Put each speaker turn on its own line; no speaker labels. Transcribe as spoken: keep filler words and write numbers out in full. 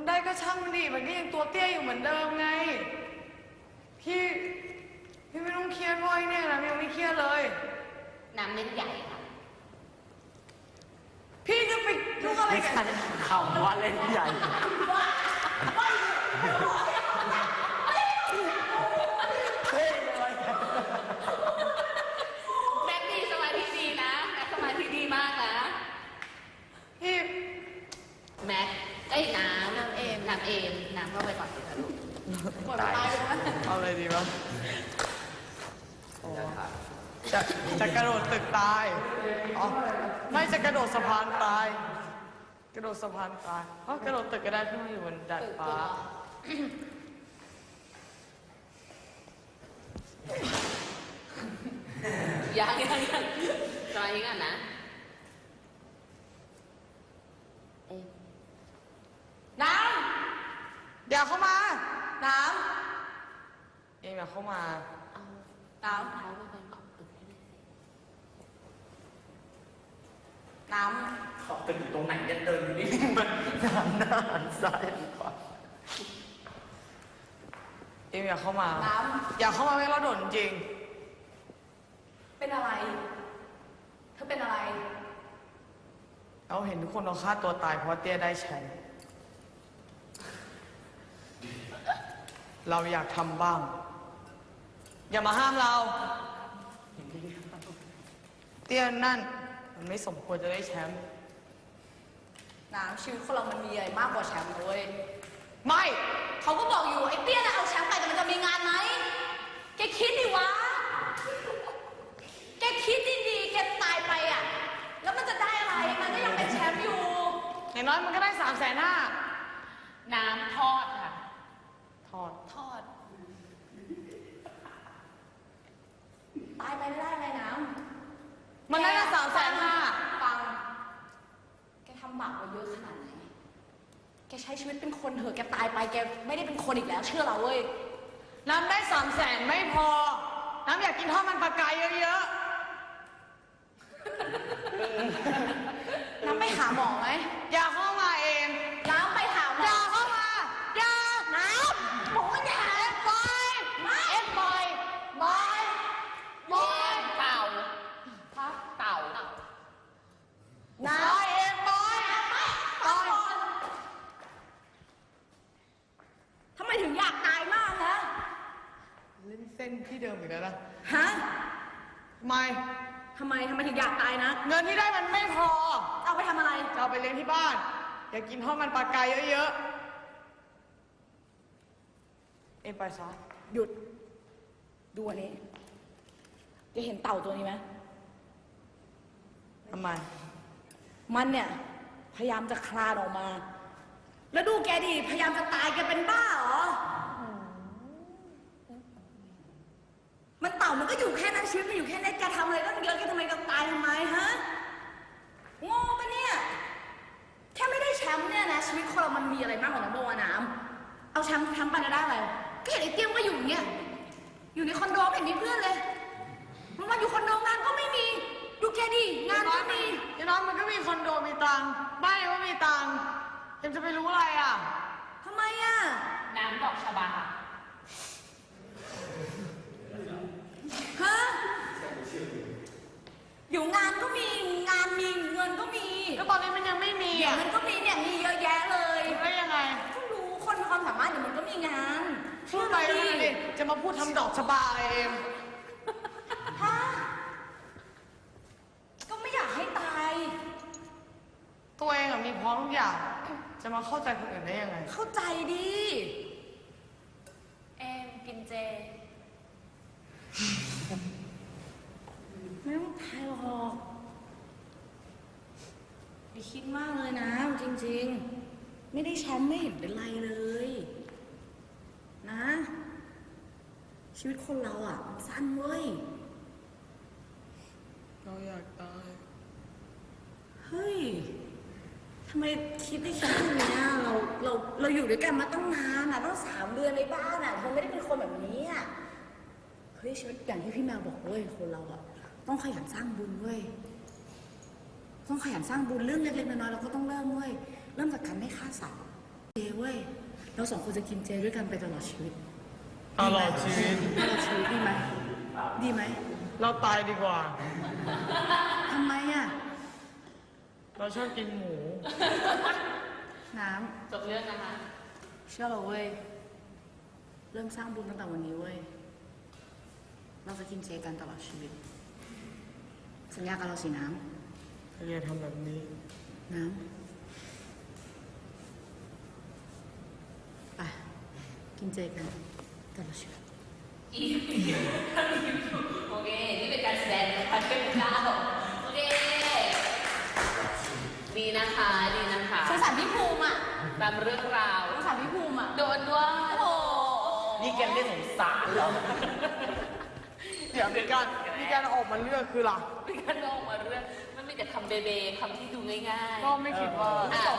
ได้ก็ช่างมันดิมันก็ยังตัวเตี้ยอยู่เหมือนเดิมไงพี่พี่ไม่ต้องเครียดว่อยเนี่ยนะยังไม่เครียดเลย
น้ำเล่นใหญ่ค่ะ
พี่จะไปยุ่งอะไรกัน
คำว่าเล่นใหญ่
แม็กดีสมาธิดีนะแม็กสมาธิดีมากนะ
พี่
แม็กไอ้น้ำน้ำเอมน้ำเอมน้ำเข้าไปก่อนสิคะลูก
ตายเอาอะไรดีวะจะจะกระโดดตึกตายอ๋อไม่จะกระโดดสะพานตายกระโดดสะพานตายเพราะกระโดดตึกก็ได้ขึ้นมาอยู่บนดาดฟ้า
ยังยังยังรอยังอ่ะนะเอม
น้ำเดี๋ยวเข้ามาน้ำเองอย่าเข้ามา
น้ำเท้าไปขอบตึกให้เลย
น้ำ
ขอบตึกอยู่ตรงไหนเนี่ยเดินอยู่นี่มันหันหน้าหันซ้ายหันขวา
เองอย่าเข้ามาน้ำอย่าเข้ามาไม่เราโดดจริง
เป็นอะไรเธอเป็นอะไร
เราเห็นทุกคนเราฆ่าตัวตายเพราะเตี้ยได้แชมป์เราอยากทำบ้างอย่ามาห้ามเราเตี้ยนั่นมันไม่สมควรจะได้แชมป์
น้ำชีวิตคนเรามันมีอะไรมากกว่าแชมป์เลย
ไม่
เขาก็บอกอยู่ไอ้เตี้ยน่ะเอาแชมป์ไปแต่มันจะมีงานไหมแกคิดดิวะแกคิดดีๆแกตายไปอ่ะแล้วมันจะได้อะไรมันก็ยังเป็นแชมป์อยู่
อย่างน้อยมันก็ได้สามแสนห้า
น้ำทอดค่ะ
ทอด
ทอดตายไปไม่ได้อะไรน้
ำมันได้ละสามแสนห้า
ฟังแกทำบาปมาเยอะขนาดไหนแกใช้ชีวิตเป็นคนเถอะแกตายไปแกไม่ได้เป็นคนอีกแล้วเชื่อเราเว้ย
น้ำได้สามแสนไม่พอน้ำอยากกินทอดมันปลากายเยอะ
ๆน้ำไปหาหมอไหม
อย่าเข้ามาเอง
น้ำไปหาหมอ
อย่าเข้ามาอย่าน้ำ
หมออย่า
เอ็มบอยเอ็มบอยบอยบอย
เต่าครับเต่า
น้ำเอ็มบอยบอย
ทำไมถึงอยากตายมากนะ
เล่นเส้นที่เดิมอีกแล้วนะ
ฮะ
ทำไม
ทำไมทำไมถึงอยากตายนะ
เงินที่ได้มันไม่พอ
เอาไปทำอะไร
จะเอาไปเลี้ยงที่บ้านอยากกินทอดมันปลากายเยอะๆเอ็มไปซะ
หยุดดูอันนี้จะเห็นเต่าตัวนี้ไหม
ทำไม
มันเนี่ยพยายามจะคลานออกมาแล้วดูแกดิพยายามจะตายแกเป็นบ้าเหรอมันเต่ามันก็อยู่แค่นั้นชีวิตมันอยู่แค่นั้นแกทำอะไรตั้งเยอะแกทำไมต้องตายทำไมฮะงงปะเนี่ยแค่ไม่ได้แชมป์เนี่ยนะชีวิตคนเรามันมีอะไรมากกว่านั้นบ้างวะน้ำเอาแชมป์แชมป์ไปได้อะไรก็เห็นไอ้เตี้ยมก็อยู่เนี่ยอยู่ในคอนโดไม่เห็นมีเพื่อนเลยมันมาอยู่คอนโดงานก็ไม่มีดูแกดิงานก็มี
อย่างน้อยมันก็มีคอนโดมีตังค์บ้านก็มีตังค์เอ็มจะไปรู้อะไรอ่ะ
ทำไมอ่ะ
น้ำดอกชบา
ฮะอยู่งานก็มีงานมีเงินก็มี
แล้วตอนนี้มันยังไม่มี
อ่ะมันก็มีเนี่ยมีเยอะแยะเลย
แล้วยังไง
ก็รู้คนมีความสามารถเดี๋ยวมันก็มีงาน
พูดไปเลยจะมาพูดทำดอกชบาอะไรเอ็ม
ฮะก็ไม่อยากให้ตาย
ตัวเองอะมีพร้อมทุกอย่างจะมาเข้าใจคนอื่นได้ยังไง
เข้าใจดิ
เอมกินเจ
ไม่ต้องตายหรอกอย่าคิดมากเลยนะจริงๆไม่ได้แชมป์ไม่เห็นเป็นไรเลยนะชีวิตคนเราอ่ะมันสั้นเว้ย
เราอยากตาย
เฮ้ยทำไมคิดได้แค่นี้เราเราเราอยู่ด้วยกันมาตั้งนานอ่ะตั้งสามเดือนในบ้านอ่ะเธอไม่ได้เป็นคนแบบนี้อ่ะเฮ้ยชีวิตอย่างที่พี่แมวบอกเว้ยคนเราอ่ะต้องขยันสร้างบุญเว้ยต้องขยันสร้างบุญเรื่องเล็กๆน้อยๆเราก็ต้องเริ่มเว้ยเริ่มจากการไม่ฆ่าสัตว์เจเว้ยเราสองคนจะกินเจด้วยกันไปตลอดชีวิต
ตลอดชีวิต
ตลอดชีวิตดีไหมดีไหม
เราตายดีกว่า
ทำไมอ่ะ
เราชอบกินหมู
น้
จบเรื่องนะคะ
ำเชื่อเราเว้ยเริ่มสร้างบุญตั้งแต่วันนี้เว้ยเราจะกินเจกันตลอดชีวิต สัญญากับเราสิน้
ถ้าแกทำแบบนี้
ำน้ำไปกินเจกันตลอดชีวิต
อีโอเค นี่เป็นการแสดงนะคะเทพเจ้าโอเค ดีนะคะ ดีนะคะ
สงสารพี่ภูมิอ่ะ
ตามเรื่องราว
สงสารพี่ภูมิอ่ะ
โดนด้วยโอ้
นี่แกไม่สงสารเหรอ
เดี๋ยวมีการมีการออกมาเลือกคือหลัก
มีการลงมาเรื่อง มันมีแต่คำเบเบคำที่ดูง่ายๆ
ก็ไม่คิดว่า
อ่ะ